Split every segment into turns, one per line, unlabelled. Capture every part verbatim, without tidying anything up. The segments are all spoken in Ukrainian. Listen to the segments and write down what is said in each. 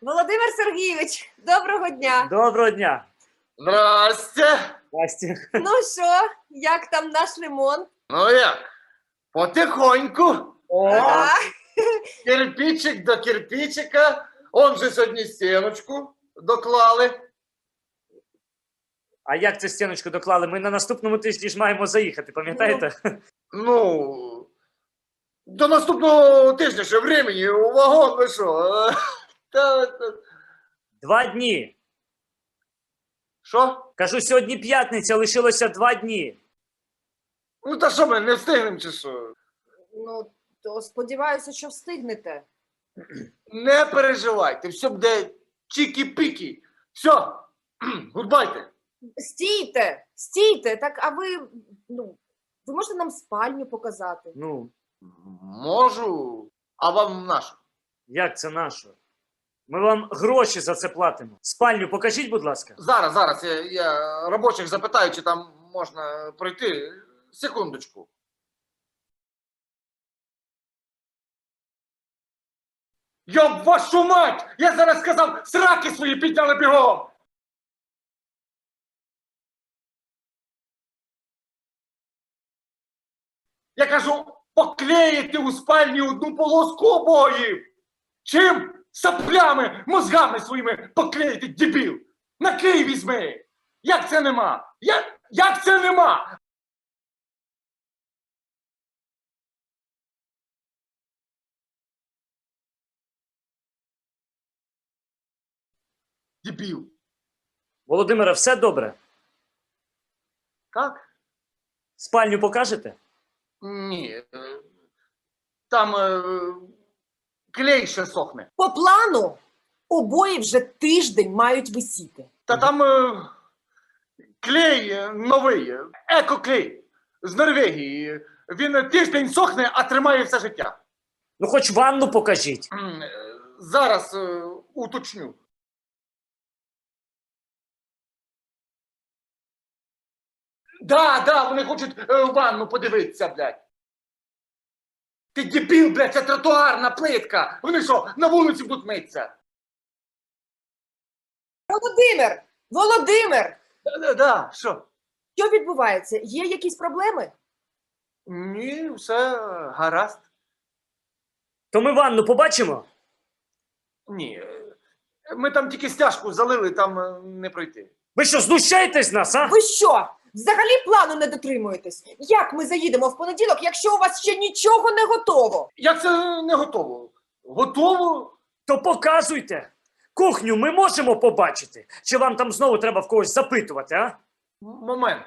Володимир Сергійович, доброго дня.
Доброго дня.
Здрасте.
Здрасте.
Ну що, як там наш ремонт?
Ну як? Потихоньку.
О,
Ага.
Кирпичик до кирпичика. Он же сьогодні стіночку доклали.
а як це стіночку доклали? Ми на наступному тижні ж маємо заїхати, пам'ятаєте?
Ну, до наступного тижня ще времени, у вагон, ви що? Та, та.
Два дні.
Що?
Кажу, сьогодні п'ятниця, лишилося два дні.
Ну та що ми, не встигнемо чи що?
Ну, то сподіваюся, що встигнете.
Не переживайте, все буде чікі-пікі. Все, гудбайте.
Стійте, стійте, так, а ви, ну, ви можете нам спальню показати?
Ну,
Можу, а вам нашу.
як це наше? Ми вам гроші за це платимо. Спальню покажіть, будь ласка.
Зараз, зараз я, я робочих запитаю, чи там можна пройти. Секундочку. Йоб вашу мать! Я зараз сказав, сраки свої підняли бігом! Я кажу, поклеїти у спальні одну полоску обоїв! Чим? Саплями, мозгами своїми поклеїти, дебіл! На Київ візьми! Як це нема? Як, як це нема? Дебіл.
Володимире, все добре?
Так?
Спальню покажете?
Ні. е, Там е, клей ще сохне.
По плану обої вже тиждень мають висіти.
Та там е, клей е, новий, е, екоклей з Норвегії. Він тиждень сохне, а тримає все життя.
Ну, хоч ванну покажіть.
М, е, Зараз е, уточню. Да, да, вони хочуть е, ванну подивитися, блядь. Ти дебіл, блядь, це тротуарна плитка. Вони що, на вулиці будуть митися?
Володимир! Володимир!
Да, да, да, що?
Що відбувається? Є якісь проблеми?
Ні, все гаразд.
То ми ванну побачимо?
Ні. е, Ми там тільки стяжку залили, там е, не пройти.
Ви що, знущаєтесь з нас, а?
Ви що? Взагалі плану не дотримуєтесь? Як ми заїдемо в понеділок, якщо у вас ще нічого не готово?
Як це не готово? Готово?
То показуйте. Кухню ми можемо побачити? Чи вам там знову треба в когось запитувати, а?
М- Момент.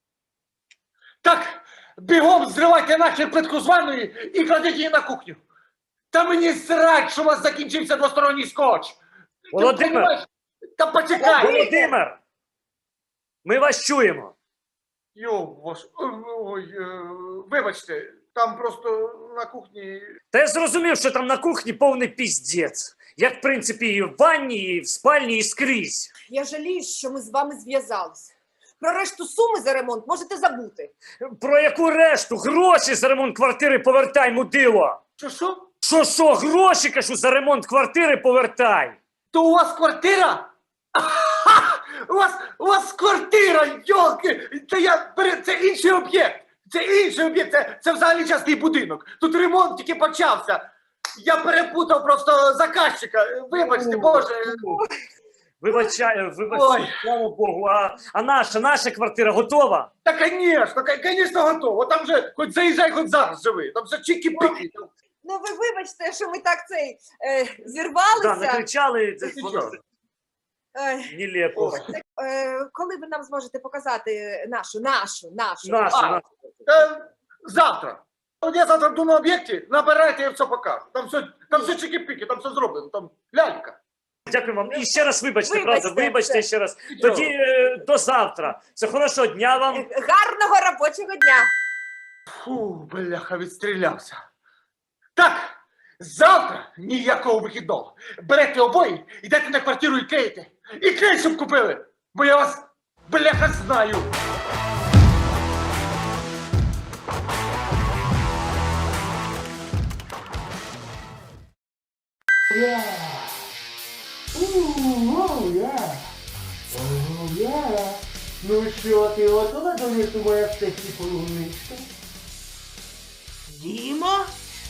Так, бігом зривайте нахер плитку з ванної і кладіть її на кухню. Та мені срать, що у вас закінчився двосторонній скотч. Ти
Володимир!
понімаєш? Та почекай!
Володимир! Ми вас чуємо.
Йо, ваш... Ой, е, вибачте, там просто на кухні...
Та я зрозумів, що там на кухні повний піздець. Як, в принципі, і в ванні, і в спальні, і скрізь.
Я жалію, що ми з вами зв'язались. Про решту суми за ремонт можете забути.
Про яку решту? Гроші за ремонт квартири повертай, мудило!
Що, що?
Що, що, гроші, кажу, за ремонт квартири повертай!
То у вас квартира? Ага! У вас, у вас квартира, йолки! Це, я, пере- це інший об'єкт! Це інший об'єкт, це, це взагалі частний будинок. Тут ремонт тільки почався. Я перепутав просто заказчика. Вибачте, Боже.
Вибачаю,
Ой.
вибачаю, слава Богу, а, а наша, наша квартира готова?
Та, звісно, звісно, готово. Там же хоч заїжджай, хоч зараз живи. Там все чікі-пікі.
Ну ви вибачте, що ми так цей е,
Да,
зірвалися.
накричали, це
Ти
воно
що?
Е,
нелепо.
Ой.
е, коли ви нам зможете показати нашу, нашу, нашу?
Наша,
А.
наша.
Е, завтра. От я завтра буду на об'єкті, набирайте, я все покажу. Там все, там все чікі-пікі, там все зроблено, там лялька.
Дякую вам. І ще раз вибачте,
Вибачте,
правда, вибачте
все.
ще раз. Тоді е, до завтра. Це хорошого дня вам.
Е, Гарного робочого дня!
Фу, бляха, відстрілявся. Так, завтра ніякого вихідного. Берете обої, йдете на квартиру і клеїте. І клей, щоб купили, бо я вас, бляха, знаю.
Оу, я. Оу, я. Ну що, ти готова до лісу, моя сексі полуничка?
Діма?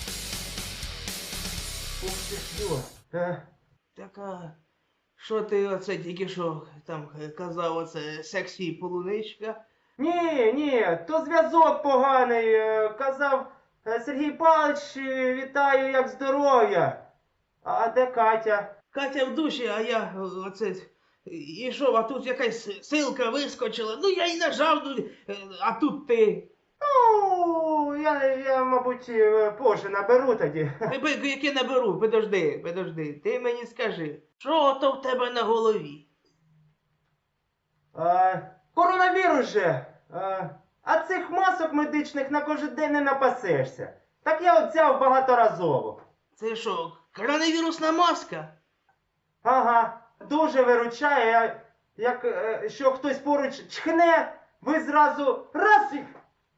Ух ти що? Е,
Так, а що ти оце тільки що там казав, оце сексі полуничка?
Ні, ні, то зв'язок поганий. е, Казав е, Сергій Павлович, е, вітаю, як здоров'я. А де Катя?
Катя в душі, а я о, оце ішов, а тут якась силка вискочила. Ну я й нажав, ну, е, а тут ти.
Ну, я, я, мабуть, е, позже наберу тоді.
Е, б- Яке наберу, подожди, подожди, ти мені скажи, що то в тебе на голові?
А, коронавірус же. А, а цих масок медичних на кожен день не напасешся. Так я от взяв багаторазово.
Це що, коронавірусна маска?
Ага, дуже виручає. а Як е, що хтось поруч чхне, ви зразу раз і...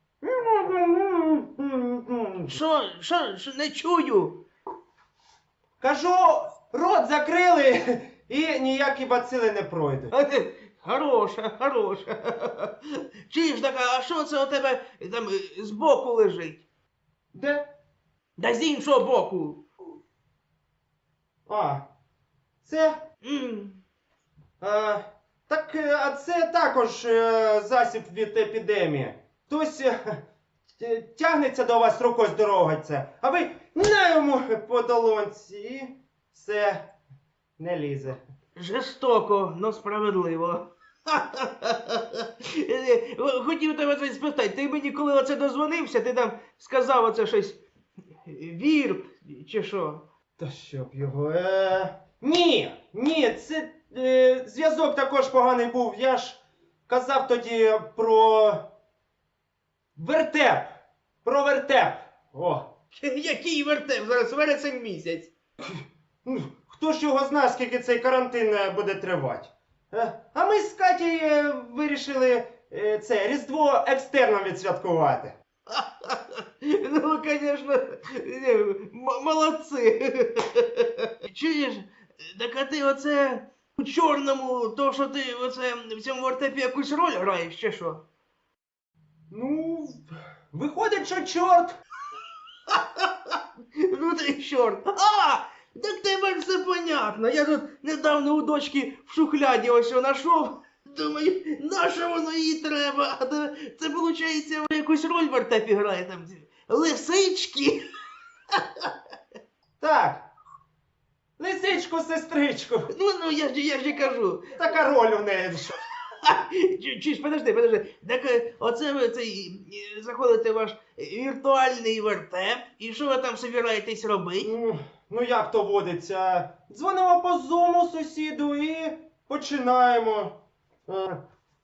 Що, що, що не чую?
Кажу, рот закрили і ніякі бацили не пройдуть.
А ти, хороша, хороша. Чуєш, так, а що це у тебе там е, збоку лежить?
Де?
Да з іншого боку.
А, це...
М.
Е, так, е, а це також е, засіб від епідемії. Хтось е, т- тягнеться до вас рукою здороваться, а ви на йому по долонці і все, не лізе.
Жорстоко, но справедливо. Е, Хотів тебе це спитати, ти мені коли оце дозвонився, ти там сказав оце щось вірп чи що?
Та щоб його. Е... Ні, ні, це е, зв'язок також поганий був. Я ж казав тоді про вертеп. Про вертеп. О.
Який вертеп? Зараз вересень місяць.
Ну, хто ж його знає, скільки цей карантин е, буде тривати? Е, а ми з Катєю е, вирішили е, це Різдво екстерном відсвяткувати.
Ну, конечно, не, м- молодці. Чуєш, так а ти оце у чорному, то що ти оце в цьому вертепі якусь роль граєш, чи що?
Ну, виходить, що чорт.
Ну ти чорт. А! Так тепер все понятно. Я тут недавно у дочки в шухляді ось що знайшов. Думаю, на що воно їй треба? А то це, виходить, ви якусь роль в вертепі грає там. ці Лисички.
Так. Лисичку, сестричку.
Ну, ну, я ж, я ж і кажу.
Така роль у неї. що.
Чи- Чуєш, подожди, подожди. Так е, оце ви цей, е, заходите в ваш віртуальний вертеп, і що ви там собираєтесь робити?
Ну, ну як то водиться? Дзвонимо по зуму сусіду і починаємо. Е.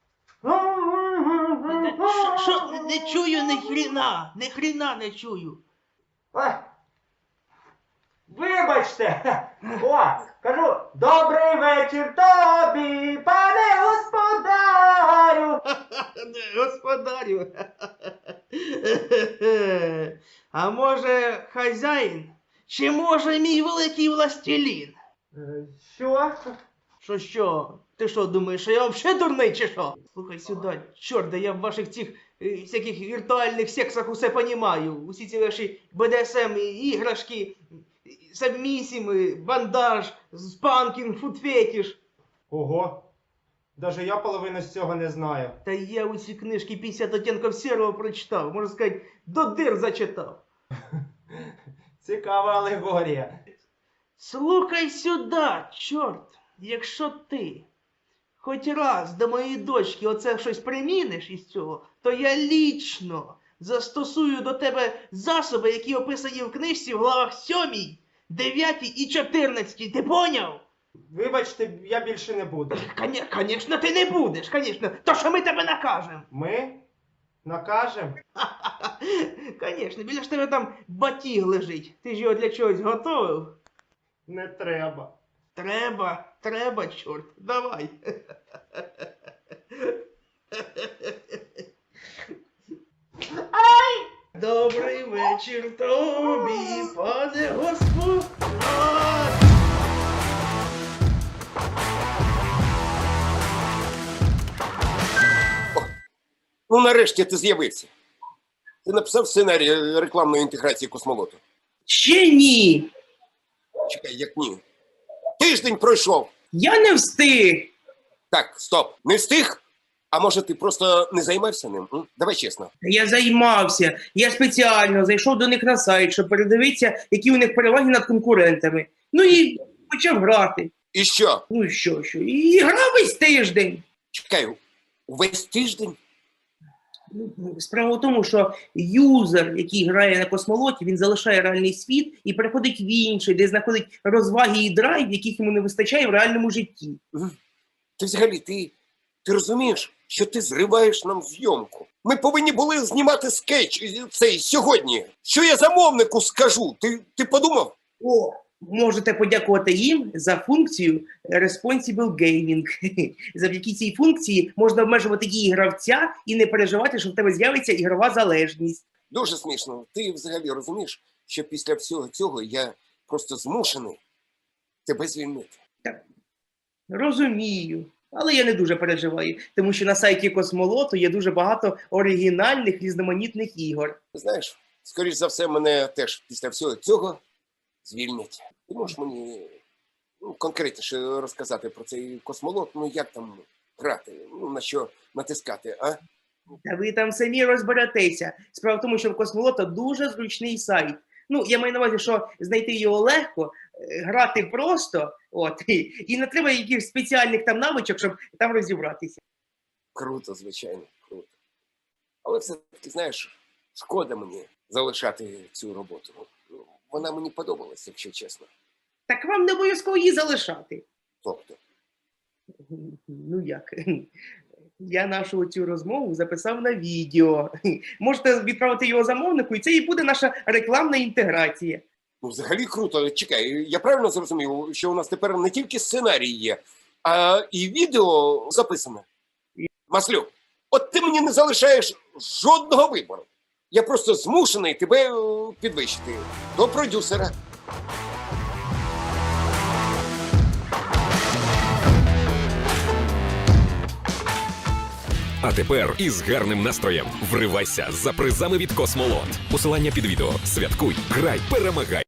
Що, що, не чую ні хріна, ні хріна не чую.
А, вибачте. О, кажу, добрий вечір тобі, пане господарю.
Господарю. А може хазяїн? Чи може мій великий властелін?
Е, Що?
Що що? Ти що думаєш, що я взагалі дурний чи що? Слухай сюди, чорт, да я в ваших цих е, всяких віртуальних сексах усе понімаю. Усі ці ваші бе де ес ем іграшки, сабмісіми, бандаж, спанкінг, фудфетіш.
Ого. Даже я половину з цього не знаю.
Та я усі книжки п'ятдесят оттінків сірого прочитав, можна сказати, до дир зачитав.
Цікава алегорія.
Слухай сюди, чорт, якщо ти хоч раз до моєї дочки оце щось приміниш із цього, то я лічно застосую до тебе засоби, які описані в книжці в главах сьомій, дев'ятій і чотирнадцятій. Ти поняв?
Вибачте, я більше не буду.
Звісно, ти не будеш, звісно. То що ми тебе накажемо?
Ми накажем?
Звісно, біля ж тебе там батіг лежить. Ти ж його для чогось готовив?
Не треба.
Треба, треба, чорт, давай. Ай! Добрий вечір тобі, пане Господь.
Ну, нарешті ти з'явився. Ти написав сценарій рекламної інтеграції космолоту.
Ще ні.
Чекай, як ні. Тиждень пройшов.
Я не встиг.
Так, стоп. Не встиг? А може ти просто не займався ним? М? Давай чесно.
Я займався. Я спеціально зайшов до них на сайт, щоб передивитися, які у них переваги над конкурентами. Ну і почав грати.
І що?
Ну і що, що? І грав весь тиждень.
Чекай, увесь тиждень?
Ну, справа в тому, що юзер, який грає на космолоті, він залишає реальний світ і переходить в інший, де знаходить розваги і драйв, яких йому не вистачає в реальному житті.
Ти взагалі, ти, ти розумієш, що ти зриваєш нам зйомку? Ми повинні були знімати скетч е, цей сьогодні. Що я замовнику скажу? Ти, ти подумав?
О, можете подякувати їм за функцію Responsible Gaming. Завдяки цій функції можна обмежувати дії гравця і не переживати, що в тебе з'явиться ігрова залежність.
Дуже смішно. Ти взагалі розумієш, що після всього цього я просто змушений тебе звільнити.
Розумію. Але я не дуже переживаю, тому що на сайті Космолоту є дуже багато оригінальних різноманітних ігор.
Знаєш, скоріш за все, мене теж після всього цього звільнять. Ти можеш мені ну, конкретніше розказати про цей космолот, ну як там грати, ну на що натискати, а?
Та ви там самі розберетеся. Справа в тому, що в Космолота дуже зручний сайт. Ну, я маю на увазі, що знайти його легко, е, грати просто, от, і, і не треба якихось спеціальних там навичок, щоб там розібратися.
Круто, звичайно, круто. Але все-таки, знаєш, шкода мені залишати цю роботу. Ну, вона мені подобалась, якщо чесно.
Так вам не обов'язково її залишати.
Тобто,
Ну як? Я нашу цю розмову записав на відео. Можете відправити його замовнику, і це і буде наша рекламна інтеграція.
ну взагалі круто. Чекай, я правильно зрозумів, що у нас тепер не тільки сценарій є, а і відео записане. Маслюк, от ти мені не залишаєш жодного вибору. Я просто змушений тебе е, підвищити до продюсера.
А тепер із гарним настроєм вривайся за призами від Космолот. Посилання під відео. Святкуй, грай, перемагай.